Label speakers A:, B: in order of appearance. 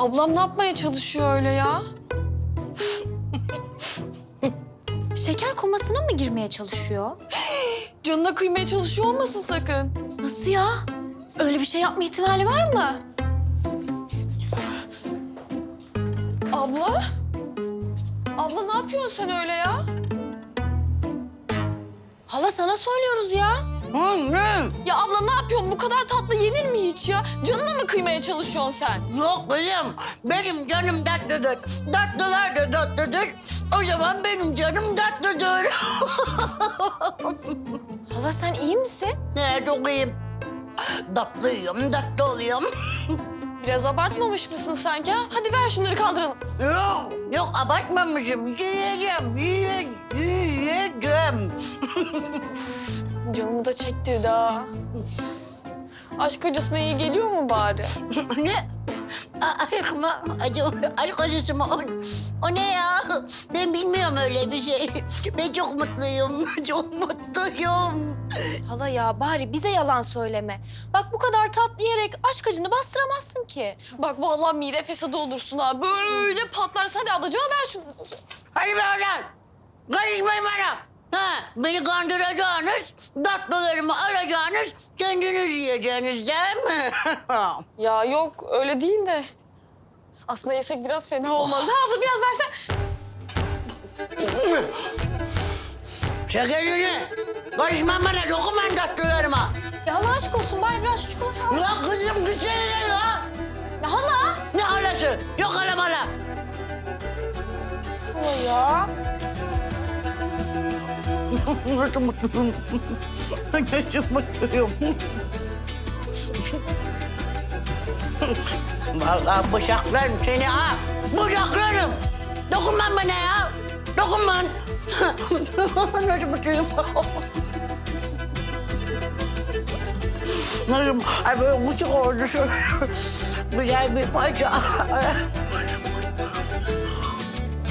A: Ablam ne yapmaya çalışıyor öyle ya?
B: Şeker komasına mı girmeye çalışıyor?
A: Canına kıymaya çalışıyor olmasın sakın.
B: Nasıl ya? Öyle bir şey yapma ihtimali var mı?
A: Abla? Abla ne yapıyorsun sen öyle ya?
B: Hala sana söylüyoruz ya.
C: Ne?
A: Ya abla ne yapıyorsun? Bu kadar tatlı yenir mi hiç ya? Canına mı kıymaya çalışıyorsun sen?
C: Yok kızım. Benim canım tatlıdır. Tatlılar da tatlıdır. O zaman benim canım tatlıdır.
B: Hala sen iyi misin?
C: Çok iyiyim. Tatlıyım, tatlı oluyorum.
A: Biraz abartmamış mısın sanki ha? Hadi ver şunları kaldıralım.
C: Yok abartmamışım. Yiyeceğim.
A: Canımı da çektirdi ha. Aşk acısına iyi geliyor mu bari?
C: Ne? Aşk mı? Aşk acısı mı? O ne ya? Ben bilmiyorum öyle bir şey. Ben çok mutluyum. Çok mutluyum.
B: Hala ya bari bize yalan söyleme. Bak bu kadar tatlı yiyerek aşk acını bastıramazsın ki.
A: Bak vallahi mide fesadı olursun ha. Böyle patlarsa hadi ablacığım ver şunu.
C: Hadi be oradan. Karışmayın bana. Ha, beni kandıracağınız, tatlılarımı alacağınız, kendiniz yiyeceğiniz değil mi?
A: Ya yok öyle değil de. Aslında yesek biraz fena olmaz. Ha abla biraz versen.
C: Şekerini. Karışma bana, dokunmayın tatlılarıma.
B: Ya Allah aşk olsun bari biraz çikolata al.
C: Ya kızım gitsene ya.
B: Ya hala.
C: Ne halası? Yok hala mala.
B: Hala ya.
C: Nasıl mutluyum? Nasıl mutluyum? Vallahi bıçaklarım seni ha. Bıçaklarım. Dokunman bana ya. Dokunman. Nasıl mutluyum? Nasıl? Ay böyle küçük oldu şu. Güzel bir parça.